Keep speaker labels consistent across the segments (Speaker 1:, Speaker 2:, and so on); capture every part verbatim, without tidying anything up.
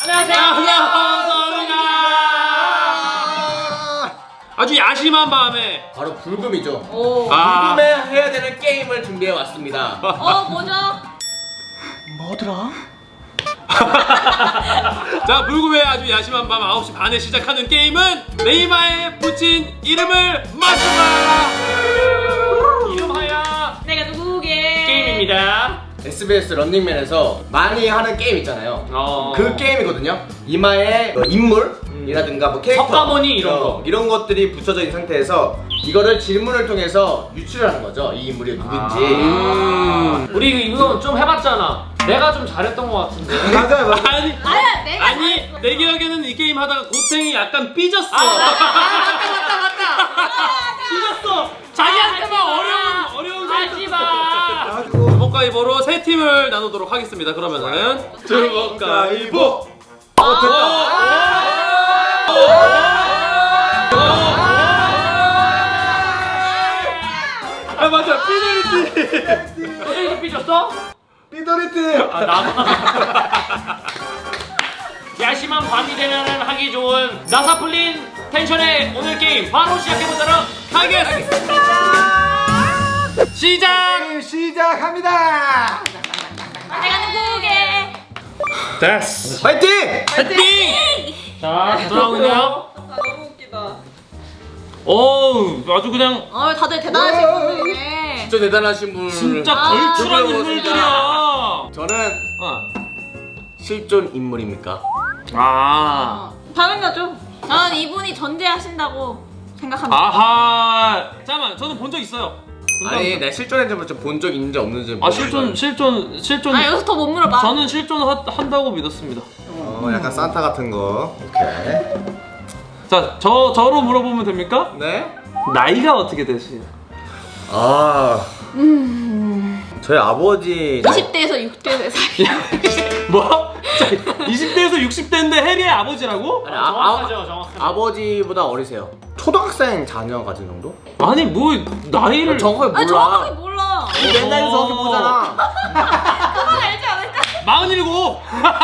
Speaker 1: 안녕하세요.
Speaker 2: 감사합니다. 아주 야심한 밤에
Speaker 1: 바로 불금이죠.
Speaker 3: 오.
Speaker 2: 아.
Speaker 1: 불금에 해야 되는 게임을 준비해 왔습니다.
Speaker 3: 어 뭐죠?
Speaker 1: 뭐더라?
Speaker 2: 자, 불금의 아주 야심한 밤 아홉 시 반에 시작하는 게임은 네이마에 붙인 이름을 맞추라. 이름하여
Speaker 3: 내가 누구게?
Speaker 2: 게임입니다.
Speaker 1: 에스비에스 런닝맨에서 많이 하는 게임 있잖아요.
Speaker 2: 어.
Speaker 1: 그 게임이거든요. 이마에 뭐 인물이라든가 뭐 캐릭터,
Speaker 2: 석가모니 이런
Speaker 1: 어,
Speaker 2: 거.
Speaker 1: 이런 것들이 붙여져 있는 상태에서 이거를 질문을 통해서 유출하는 거죠. 이 인물이 누군지.
Speaker 2: 음.
Speaker 4: 우리 이거 좀 해봤잖아. 내가 좀 잘했던 것 같은데.
Speaker 1: 맞아요, 맞아요.
Speaker 2: 아니,
Speaker 3: 아니야 내가
Speaker 2: 아니 내 기억에는 이 게임 하다가 고탱이 약간 삐졌어.
Speaker 3: 아, 맞다 맞다 맞다.
Speaker 2: 삐졌어. 자기한테만
Speaker 3: 하지 마.
Speaker 2: 어려운 어려운
Speaker 3: 하지 마.
Speaker 2: 주먹가위보로 세 팀을 나누도록 하겠습니다. 그러면은 주먹가위보.
Speaker 1: 어,
Speaker 2: 아 맞아, 피델리티.
Speaker 4: 너희도 삐졌어?
Speaker 1: 삐더리트.
Speaker 4: 아 나만. 야심한 밤이 되면 하기 좋은 나사 풀린 텐션의 오늘 게임 바로 시작해보도록
Speaker 2: 하겠습니다. 시작.
Speaker 1: 시작합니다.
Speaker 3: 내가 누구게?
Speaker 2: 됐어.
Speaker 1: 파이팅!
Speaker 2: 파이팅.
Speaker 4: 자 돌아오고 있나요?
Speaker 3: 아 너무 웃기다.
Speaker 2: 어우, 아주 그냥
Speaker 3: 어 다들 대단하신 분들이네.
Speaker 1: 진짜 대단하신 분.
Speaker 2: 진짜
Speaker 3: 아,
Speaker 2: 걸출한
Speaker 1: 들어오고
Speaker 2: 인물들이야.
Speaker 1: 저는
Speaker 2: 어.
Speaker 1: 실존 인물입니까?
Speaker 2: 아.
Speaker 3: 어, 당연하죠. 저는 이분이 전제하신다고 생각합니다.
Speaker 2: 아하. 잠깐만, 저는 본 적 있어요. 본 적
Speaker 1: 아니,
Speaker 2: 있어요.
Speaker 1: 내가 실존했는지 좀 본 적 있는지 없는지.
Speaker 2: 아 실존 실존 실존.
Speaker 3: 아 여기서 더 못 물어봐.
Speaker 2: 저는 실존 하, 한다고 믿었습니다.
Speaker 1: 어, 약간 산타 같은 거. 오케이.
Speaker 2: 자, 저 저로 물어보면 됩니까?
Speaker 1: 네?
Speaker 2: 나이가 어떻게 되세요?
Speaker 1: 아,
Speaker 3: 음.
Speaker 1: 저희 아버지. 나이-
Speaker 3: 이십 대에서 육십 대 사이.
Speaker 2: 뭐? 자, 이십 대에서 육십 대인데 해리의 아버지라고?
Speaker 1: 아니, 아,
Speaker 4: 정확하죠 정확하죠.
Speaker 1: 아, 아버지보다 어리세요. 초등학생 자녀 가진 정도?
Speaker 2: 아니 뭐 나이를
Speaker 1: 정확하게 몰라.
Speaker 3: 아 정확하게 몰라.
Speaker 1: 맨날 정확히 보잖아.
Speaker 3: 그건 알지 않을까?
Speaker 2: 마흔일곱.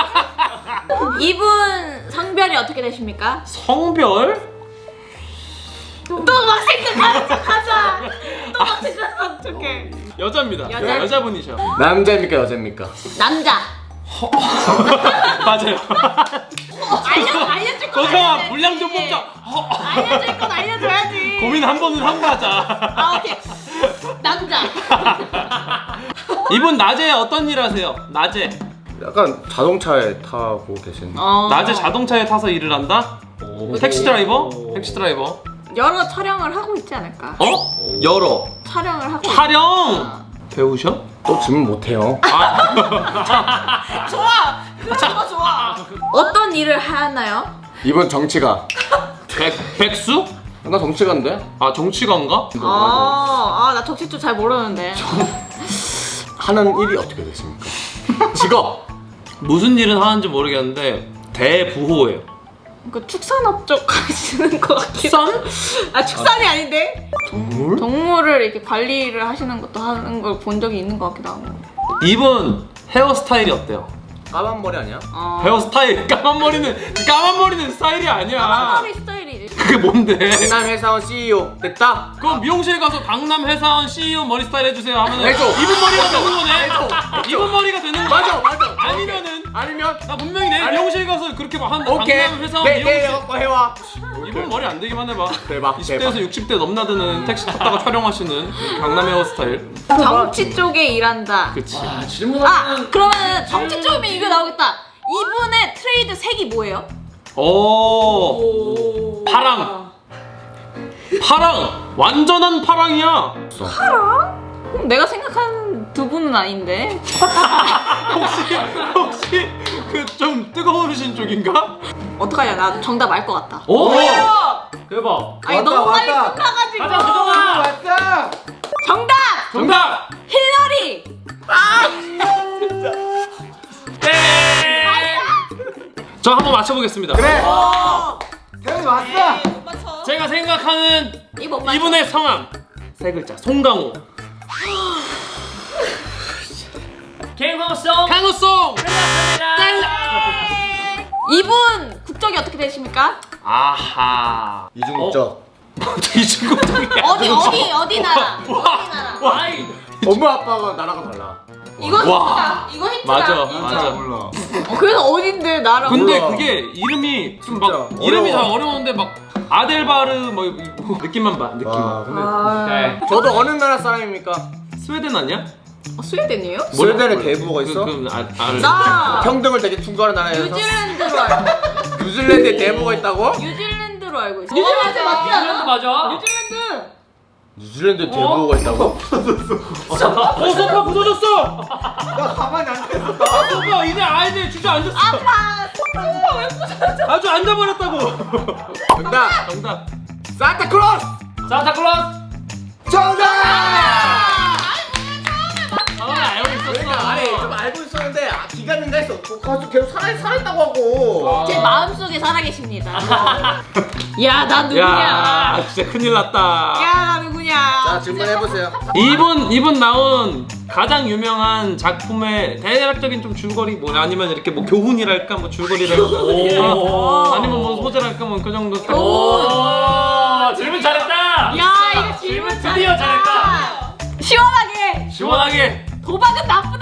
Speaker 3: 이분 성별이 어떻게 되십니까?
Speaker 2: 성별?
Speaker 3: 또 막 생각하는 척하자. 또 막 생각하는 척해.
Speaker 2: 여자입니다.
Speaker 3: 여자?
Speaker 2: 여자분이셔.
Speaker 1: 남자입니까 여자입니까?
Speaker 3: 남자.
Speaker 2: 맞아요.
Speaker 3: 알려 알려줄 건
Speaker 2: 거성아
Speaker 3: 알려줘야지.
Speaker 2: 분량 좀 뽑자. 허.
Speaker 3: 알려줄 건 알려줘야지.
Speaker 2: 고민 한 번은 하고 가자.
Speaker 3: 아 오케이. 남자.
Speaker 2: 이분 낮에 어떤 일 하세요? 낮에.
Speaker 1: 약간 자동차에 타고 계신.
Speaker 3: 어.
Speaker 2: 낮에 자동차에 타서 일을 한다? 택시 드라이버? 택시 드라이버.
Speaker 3: 여러 촬영을 하고 있지 않을까?
Speaker 2: 어? 열어.
Speaker 3: 촬영을 하고.
Speaker 2: 촬영. 배우셔?
Speaker 1: 또 질문 못해요.
Speaker 3: 좋아. 그런 거 좋아. 어떤 일을 하나요?
Speaker 1: 이번 정치가.
Speaker 2: 백 백수?
Speaker 1: 나 정치가인데?
Speaker 2: 아 정치가인가?
Speaker 3: 아, 아, 나 정치 좀 잘 모르는데.
Speaker 1: 하는 일이 어떻게 되십니까? 직업.
Speaker 2: 무슨 일은 하는지 모르겠는데 대부호예요.
Speaker 3: 그 축산업 쪽 하시는 것 같기도.
Speaker 2: 선?
Speaker 3: 아 축산이 아닌데?
Speaker 1: 동물?
Speaker 3: 동물을 이렇게 관리를 하시는 것도 하는 걸 본 적이 있는 것 같기도 하고.
Speaker 2: 이분 헤어스타일이 어때요?
Speaker 1: 까만 머리 아니야?
Speaker 3: 어.
Speaker 2: 헤어스타일 까만 머리는 까만 머리는 스타일이 아니야.
Speaker 3: 까만머리 스타일이지.
Speaker 2: 그게 뭔데?
Speaker 1: 강남 회사원 씨이오 됐다.
Speaker 2: 그럼 미용실 가서 강남 회사원 씨이오 머리 스타일 해주세요 하면은
Speaker 1: 해줘.
Speaker 2: 이분 머리가 되는 거네. 이분 머리가 되는 거야.
Speaker 1: 맞아, 맞아.
Speaker 2: 아니면은
Speaker 1: 아니면
Speaker 2: 나 분명히 내
Speaker 1: 아니.
Speaker 2: 미용실 가서 그렇게 막 한다.
Speaker 1: 오케이.
Speaker 2: 강남 회사원
Speaker 1: 내
Speaker 2: 미용실.
Speaker 1: 내일 갖고 해와.
Speaker 2: 이분 머리 안 되기만 해봐.
Speaker 1: 대박,
Speaker 2: 이십 대에서
Speaker 1: 대박.
Speaker 2: 육십 대 넘나드는 택시 탔다가 촬영하시는 강남 헤어스타일.
Speaker 3: 정치 쪽에 일한다.
Speaker 2: 그치.
Speaker 4: 아 질문
Speaker 3: 아
Speaker 4: 하나는
Speaker 3: 그러면 정치 쪽이면 이거 나오겠다. 이분의 트레이드 색이 뭐예요?
Speaker 2: 오. 파랑. 파랑. 완전한 파랑이야.
Speaker 3: 그럼 내가 생각하는 두 분은 아닌데.
Speaker 2: 혹시 혹시 그 좀 뜨거우신 쪽인가?
Speaker 3: 어떡하냐, 나 정답 알 것 같다.
Speaker 2: 오.
Speaker 4: 대박.
Speaker 3: 아니
Speaker 1: 왔다,
Speaker 3: 너무 빨리
Speaker 1: 왔다.
Speaker 3: 끝나가지고.
Speaker 4: 가자 수정아.
Speaker 1: 왔다.
Speaker 3: 정답.
Speaker 2: 정답.
Speaker 3: 힐러리.
Speaker 2: 네. 저 한번 맞춰보겠습니다.
Speaker 1: 그래.
Speaker 3: 어.
Speaker 1: 태현이 왔어.
Speaker 3: 못 맞춰.
Speaker 2: 제가 생각하는
Speaker 3: 이거 못 맞춰.
Speaker 2: 이분의 성함 세 글자. 송강호.
Speaker 4: 개인방송
Speaker 2: 강호송.
Speaker 4: 끝났습니다.
Speaker 3: 이분 국적이 어떻게 되십니까?
Speaker 2: 아하.
Speaker 1: 이중국적.
Speaker 2: 이중국적이야.
Speaker 3: 어디 어디 어디 나라? 어디 나라?
Speaker 4: 와이.
Speaker 1: 엄마 아빠가 나라가 달라.
Speaker 3: 이거 힌트다. 이거 힌트다.
Speaker 2: 맞아,
Speaker 3: 인정.
Speaker 2: 맞아.
Speaker 1: 몰라.
Speaker 3: 어, 그래서 어딘데 나라?
Speaker 2: 근데
Speaker 1: 몰라.
Speaker 2: 그게 이름이 좀 막
Speaker 1: 진짜
Speaker 2: 이름이 다
Speaker 1: 어려워.
Speaker 2: 어려운데 막 아델바르 뭐 이거 느낌만 봐
Speaker 1: 와,
Speaker 2: 느낌만.
Speaker 1: 근데
Speaker 3: 아,
Speaker 2: 네.
Speaker 1: 저도 어느 나라 사람입니까?
Speaker 2: 스웨덴 아니야?
Speaker 3: 어, 스웨덴이에요?
Speaker 1: 스웨덴에
Speaker 2: 몰라.
Speaker 1: 대부호가 있어?
Speaker 2: 그, 그, 아, 아,
Speaker 3: 나
Speaker 1: 평등을 되게 충고하는 나라에서
Speaker 3: 뉴질랜드로 알고.
Speaker 1: 뉴질랜드에 대부호가 있다고?
Speaker 3: 뉴질랜드로 알고 있어. 뉴질랜드 맞지
Speaker 4: 뉴질랜드
Speaker 3: 않아?
Speaker 4: 맞아.
Speaker 3: 뉴질랜드.
Speaker 1: 뉴질랜드에 대부호가 있다고?
Speaker 2: 어 소파 부서졌어.
Speaker 1: 나 가만히 앉아있어.
Speaker 2: 아 소파 이제 아이들 주저 앉았어.
Speaker 3: 아파. 소파 왜 부서져?
Speaker 2: 아주 앉아버렸다고.
Speaker 1: 정답!
Speaker 2: 정답.
Speaker 1: 산타클로스!
Speaker 4: 산타클로스.
Speaker 1: 정답!
Speaker 4: 처음에 알고 있었어.
Speaker 1: 그러니까 아니 좀 알고 있었는데 아, 기간인가 했어. 그 가수 계속 살아, 살아있다고 하고.
Speaker 3: 제 마음속에 살아계십니다. 야, 나 누구냐?
Speaker 2: 야 진짜 큰일 났다.
Speaker 3: 야, 나 누구냐?
Speaker 1: 자 질문해보세요.
Speaker 2: 이분 이분 나온 가장 유명한 작품의 대략적인 좀 줄거리 뭐 아니면 이렇게 뭐 교훈이랄까 뭐 줄거리랄까
Speaker 4: 오.
Speaker 2: 아니면 뭐 소재랄까 뭐 그 정도 딱.
Speaker 4: 오. 질문 잘했다.
Speaker 3: 야, 이거 질문
Speaker 4: 드디어
Speaker 3: 잘했다. 시원하게.
Speaker 2: 시원하게.
Speaker 3: 도박은 나쁘다.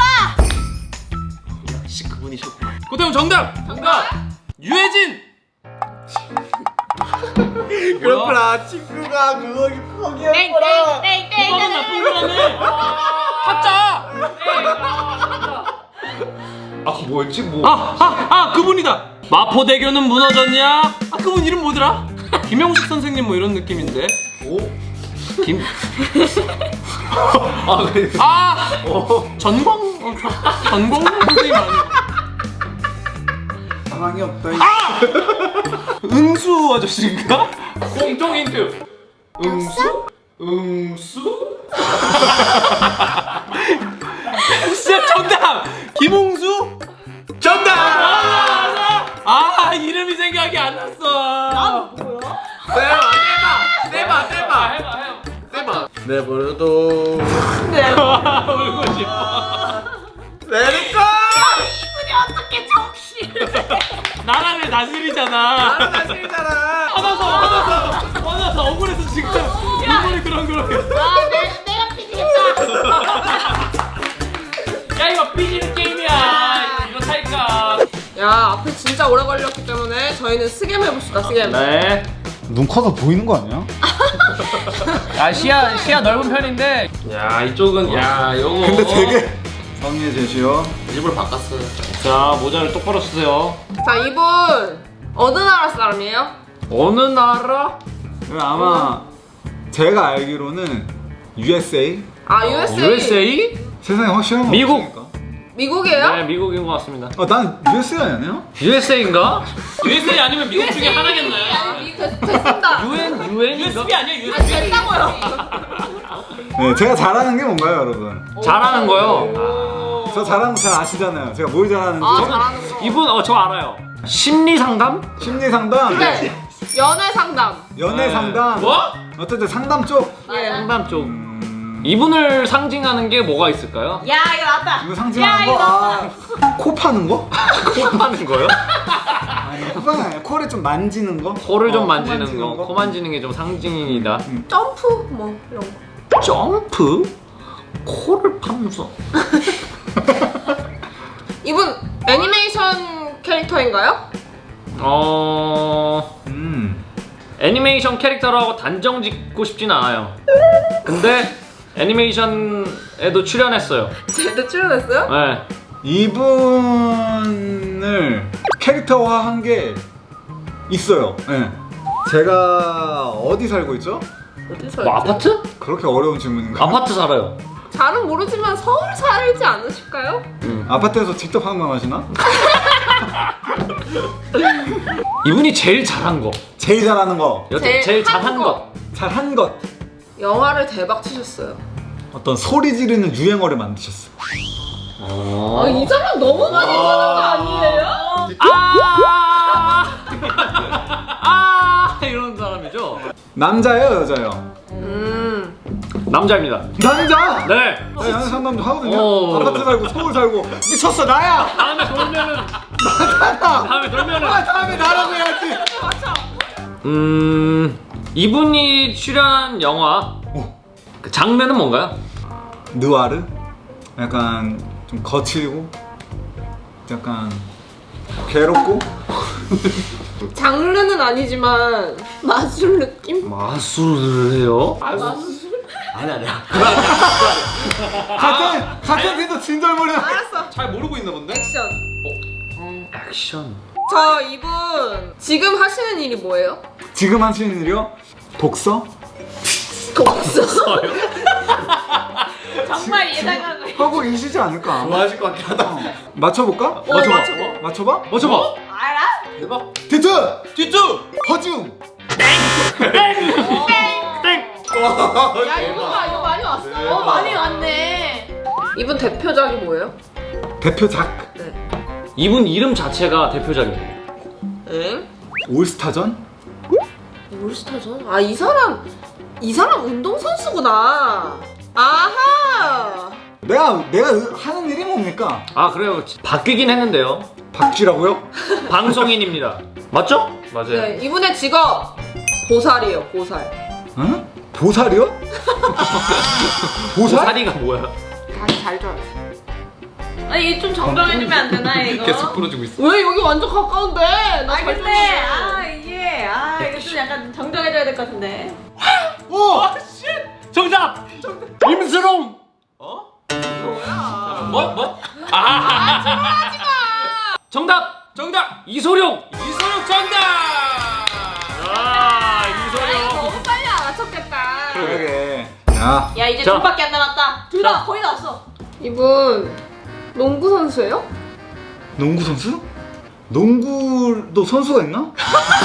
Speaker 2: 역시 그분이셨구나. 고태형 정답.
Speaker 4: 정답.
Speaker 2: 유해진.
Speaker 1: 그렇구나. 친구가 그거 포기했구나.
Speaker 3: 땡땡땡땡.
Speaker 2: 오빠는 나쁜 거라네. 타짜.
Speaker 1: 아 뭐였지 뭐.
Speaker 2: 아, 아, 아, 그분이다. 마포대교는 무너졌냐? 아, 그분 이름 뭐더라? 김영식 선생님 뭐 이런 느낌인데.
Speaker 1: 오?
Speaker 2: 김.
Speaker 1: 아 그래.
Speaker 2: 아, 전광. 어, 저- 전광 선생님 아니야?
Speaker 1: 가망이 없다.
Speaker 2: 아, 응수 아저씨인가?
Speaker 4: 공통 힌트.
Speaker 2: 응수? 응수? 진짜 정답. 김홍수?
Speaker 1: 정답!
Speaker 2: 아, 이름이 생각이 안 났어.
Speaker 1: 세봐 세봐 세봐 세봐
Speaker 4: 해봐 해봐.
Speaker 1: 세봐. 내버려도
Speaker 2: 울고 싶어.
Speaker 1: 내릴까?
Speaker 3: 이분이 어떻게 정신을?
Speaker 2: 나라를 다스리잖아.
Speaker 1: 나는 사실이잖아.
Speaker 2: 화나서 화나서 화나서 억울해서 지금 눈물이 그런 그런.
Speaker 3: 아, 내, 내가 피지겠다.
Speaker 4: 야 이거 삐지는 게임이야. 이거 살까?
Speaker 5: 야, 앞에 진짜 오래 걸렸기 때문에 저희는 스겜 해봅시다, 스겜.
Speaker 2: 네.
Speaker 6: 눈 커서 보이는 거 아니야?
Speaker 4: 아 시야 시야 넓은 편인데.
Speaker 2: 야 이쪽은 야 요거.
Speaker 6: 근데 되게 성의의 제시요.
Speaker 1: 일부러 바꿨어.
Speaker 2: 자 모자를 똑바로 쓰세요.
Speaker 5: 자, 이분 어느 나라 사람이에요?
Speaker 2: 어느 나라?
Speaker 6: 아마 제가 알기로는 유에스에이.
Speaker 5: 아, 유에스에이.
Speaker 2: 유에스에이?
Speaker 6: 세상에 확실한 거
Speaker 2: 미국.
Speaker 6: 없으니까.
Speaker 5: 미국이에요?
Speaker 2: 네 미국인 것 같습니다.
Speaker 6: 어, 난 유에스에이 아니에요?
Speaker 2: 유에스에이인가? 유에스에이 아니면 미국 중에 하나겠네.
Speaker 5: 됐, 됐습니다.
Speaker 4: 유엔 유엔인가?
Speaker 2: 유에스비 아니야
Speaker 5: 아,
Speaker 2: 유에스비?
Speaker 5: 됐다고요.
Speaker 6: 네, 제가 잘하는 게 뭔가요, 여러분?
Speaker 2: 잘하는 거요.
Speaker 5: 오.
Speaker 6: 저 잘하는 거 잘 아시잖아요. 제가 뭘 잘하는지.
Speaker 5: 아, 잘하는 거.
Speaker 2: 이분 어 저 알아요. 심리 상담?
Speaker 6: 심리 상담,
Speaker 5: 네. 연애 상담.
Speaker 6: 연애 상담.
Speaker 2: 뭐?
Speaker 6: 어쨌든 상담 쪽.
Speaker 5: 예.
Speaker 2: 상담 쪽.
Speaker 6: 음,
Speaker 2: 이분을 상징하는 게 뭐가 있을까요?
Speaker 3: 야, 이거 나왔다.
Speaker 6: 이거
Speaker 3: 야,
Speaker 6: 상징하는
Speaker 3: 이거
Speaker 6: 거. 아, 코 파는 거?
Speaker 2: 코 파는 거요?
Speaker 6: 아니, 코 파는 아니야. 코를 좀 만지는 거?
Speaker 2: 코를 좀
Speaker 6: 어, 코
Speaker 2: 만지는
Speaker 6: 만지는
Speaker 2: 거,
Speaker 6: 거?
Speaker 2: 코 만지는 게 좀 상징이다.
Speaker 5: 점프 뭐 이런 거.
Speaker 2: 점프? 코를 파면서.
Speaker 5: 이분 애니메이션 캐릭터인가요?
Speaker 2: 어
Speaker 6: 음.
Speaker 2: 애니메이션 캐릭터라고 단정 짓고 싶진 않아요. 근데 애니메이션에도 출연했어요.
Speaker 5: 쟤도 출연했어요?
Speaker 2: 네.
Speaker 6: 이분을 캐릭터화한 게 있어요. 네. 제가 어디 살고 있죠?
Speaker 5: 어디서?
Speaker 2: 뭐 아파트?
Speaker 6: 그렇게 어려운 질문인가요?
Speaker 2: 아파트 살아요.
Speaker 5: 잘은 모르지만 서울 살지 않으실까요?
Speaker 6: 아파트에서 직접 상담하시나?
Speaker 2: 이분이 제일 잘한 거.
Speaker 6: 제일 잘하는 거,
Speaker 2: 여태
Speaker 5: 제일
Speaker 2: 제일
Speaker 5: 한
Speaker 2: 잘한
Speaker 5: 거.
Speaker 2: 것.
Speaker 6: 잘한 것,
Speaker 5: 영화를 대박 치셨어요.
Speaker 6: 어떤 소리 지르는 유행어를 만드셨어.
Speaker 2: 어.
Speaker 5: 아, 이 사람 너무 많이 보는 거 아니에요?
Speaker 2: 아! 아! 이런 사람이죠.
Speaker 6: 남자예요, 여자예요?
Speaker 5: 음.
Speaker 2: 남자입니다.
Speaker 6: 남자!
Speaker 2: 네.
Speaker 6: 나 연애 상담도 하거든요.
Speaker 2: 오.
Speaker 6: 아파트 살고 서울 살고 미쳤어 나야!
Speaker 2: 다음에 돌면은
Speaker 4: 다음에 그러면은
Speaker 1: 아, 다음에 나라고 해야지.
Speaker 4: 음 이분이 출연한 영화 그 장르는 뭔가요?
Speaker 6: 느와르? 약간 좀 거칠고 약간 괴롭고
Speaker 5: 장르는 아니지만 마술 느낌?
Speaker 4: 마술을 해요?
Speaker 1: 아니 아니야.
Speaker 6: 같은 같은 팀도 진절머리야.
Speaker 5: 알았어.
Speaker 2: 잘 모르고 있나 본데?
Speaker 5: 액션.
Speaker 4: 액션.
Speaker 5: 저 이분 지금 하시는 일이 뭐예요?
Speaker 6: 지금 하시는 일이요? 독서?
Speaker 5: 독서.
Speaker 3: 정말 예상한 거.
Speaker 6: 하고 계시지 않을까?
Speaker 1: 좋아하실 것 같긴 하다.
Speaker 6: 어. 맞춰볼까?
Speaker 5: 어, 맞춰봐.
Speaker 6: 맞춰봐?
Speaker 4: 맞춰봐.
Speaker 3: 알아?
Speaker 1: 대박. 디트.
Speaker 2: 뒤쪽.
Speaker 1: 허중.
Speaker 5: 야 이거 이거 많이 왔어.
Speaker 3: 어 많이 왔네.
Speaker 5: 이분 대표작이 뭐예요?
Speaker 6: 대표작
Speaker 5: 네.
Speaker 4: 이분 이름 자체가 대표작이에요.
Speaker 5: 응?
Speaker 6: 올스타전?
Speaker 5: 올스타전? 아 이 사람 이 사람 운동 선수구나. 아하.
Speaker 6: 내가 내가 하는 일이 뭡니까?
Speaker 4: 아 그래요. 바뀌긴 했는데요.
Speaker 6: 박쥐라고요?
Speaker 4: 방송인입니다. 맞죠? 맞아요.
Speaker 5: 네 이분의 직업 보살이에요. 보살.
Speaker 6: 응? 보살이요? 보살?
Speaker 4: 보살이가 뭐야?
Speaker 5: 다시 잘 줘.
Speaker 3: 아니 이게 좀 정정해주면 안 되나 이거?
Speaker 2: 계속 부러지고 있어.
Speaker 5: 왜 여기 완전 가까운데?
Speaker 3: 아
Speaker 5: 나잘
Speaker 3: 근데 아 이게 아 이거 좀 약간 정정해줘야 될 것 같은데.
Speaker 1: 오.
Speaker 4: 정답. 임수롱.
Speaker 2: 어?
Speaker 5: 뭐야?
Speaker 2: 뭐 뭐?
Speaker 3: 아,
Speaker 4: 정답.
Speaker 2: 정답.
Speaker 4: 이소룡.
Speaker 2: 이소룡 정답.
Speaker 4: 아
Speaker 5: 아 이거
Speaker 4: 이소룡.
Speaker 5: 너무 빨리 알아챘겠다.
Speaker 6: 그러게. 야,
Speaker 3: 야 이제
Speaker 4: 자.
Speaker 3: 둘밖에 안 남았다. 둘
Speaker 4: 자.
Speaker 3: 다 거의 다 왔어.
Speaker 5: 이분 농구 선수예요?
Speaker 6: 농구 선수? 농구도 선수가 있나? 어,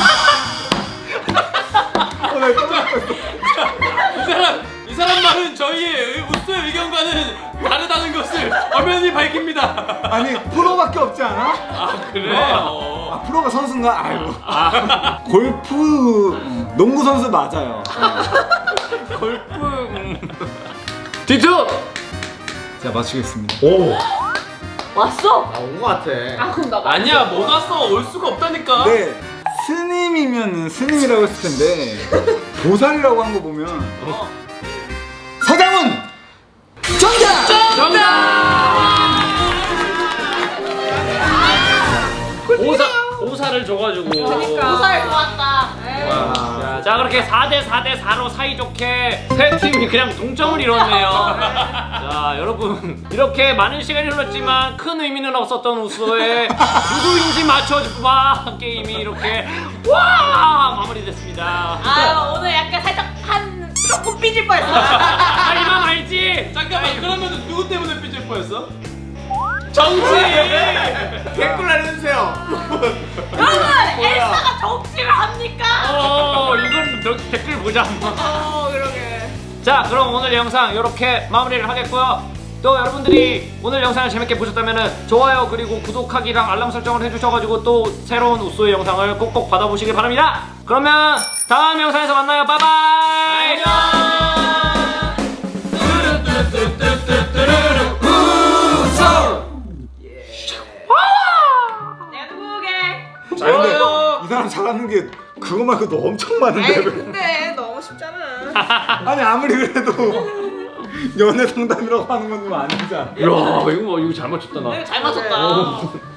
Speaker 6: 나 깜짝 놀랐어.
Speaker 2: 이 사람 이 사람 말은 저희의 우스의 의견과는 다르다는 것을 엄연히 밝힙니다.
Speaker 6: 아니 프로밖에 없지 않아?
Speaker 2: 아 그래.
Speaker 6: 아
Speaker 2: 어.
Speaker 6: 프로가 선수인가? 아이고. 골프 농구 선수 맞아요.
Speaker 4: 골프. 음. 디트.
Speaker 6: 자 맞추겠습니다.
Speaker 4: 오.
Speaker 3: 왔어.
Speaker 1: 나온 것 같아.
Speaker 5: 아 그럼 나
Speaker 2: 아니야 못 왔어. 올 수가 없다니까.
Speaker 6: 네 스님이면 스님이라고 했을 텐데 보살이라고 한 거 보면
Speaker 2: 어.
Speaker 6: 서장훈 정답.
Speaker 4: 오사 오사를 줘가지고.
Speaker 5: 그러니까.
Speaker 3: 보살 좋았다.
Speaker 4: 자, 자 그렇게 사 대 사 대 사로 사이좋게 세 팀이 그냥 동점을 이뤘네요. 자 여러분 이렇게 많은 시간이 흘렀지만 큰 의미는 없었던 우스의 누구인지 맞춰봐 게임이 이렇게 와 마무리됐습니다.
Speaker 3: 아 오늘 약간 살짝 한 조금 삐질 뻔했어.
Speaker 4: 하지만 알지?
Speaker 2: 잠깐만 그러면 누구 때문에 삐질 뻔했어? 정치.
Speaker 1: 댓글 알려주세요.
Speaker 3: 여러분 엘사가 정치를 합니까?
Speaker 4: 어 이건 너 댓글 보자.
Speaker 5: 어 그러게.
Speaker 4: 자 그럼 오늘 영상 이렇게 마무리를 하겠고요. 또 여러분들이 오늘 영상을 재밌게 보셨다면 좋아요 그리고 구독하기랑 알람 설정을 해주셔가지고 또 새로운 우소의 영상을 꼭꼭 받아보시길 바랍니다. 그러면 다음 영상에서 만나요. 바이바이.
Speaker 3: 내가 누구게?
Speaker 6: 아 근데 이 사람 잘하는 게 그거 말고 너 엄청 많은데
Speaker 5: 아이
Speaker 6: 왜?
Speaker 5: 근데 너무 쉽잖아.
Speaker 6: 아니 아무리 그래도 연애 상담이라고 하는 건 좀 아니잖아.
Speaker 4: 이야 이거 뭐 이거 잘 맞췄다 나.
Speaker 3: 잘 맞췄다.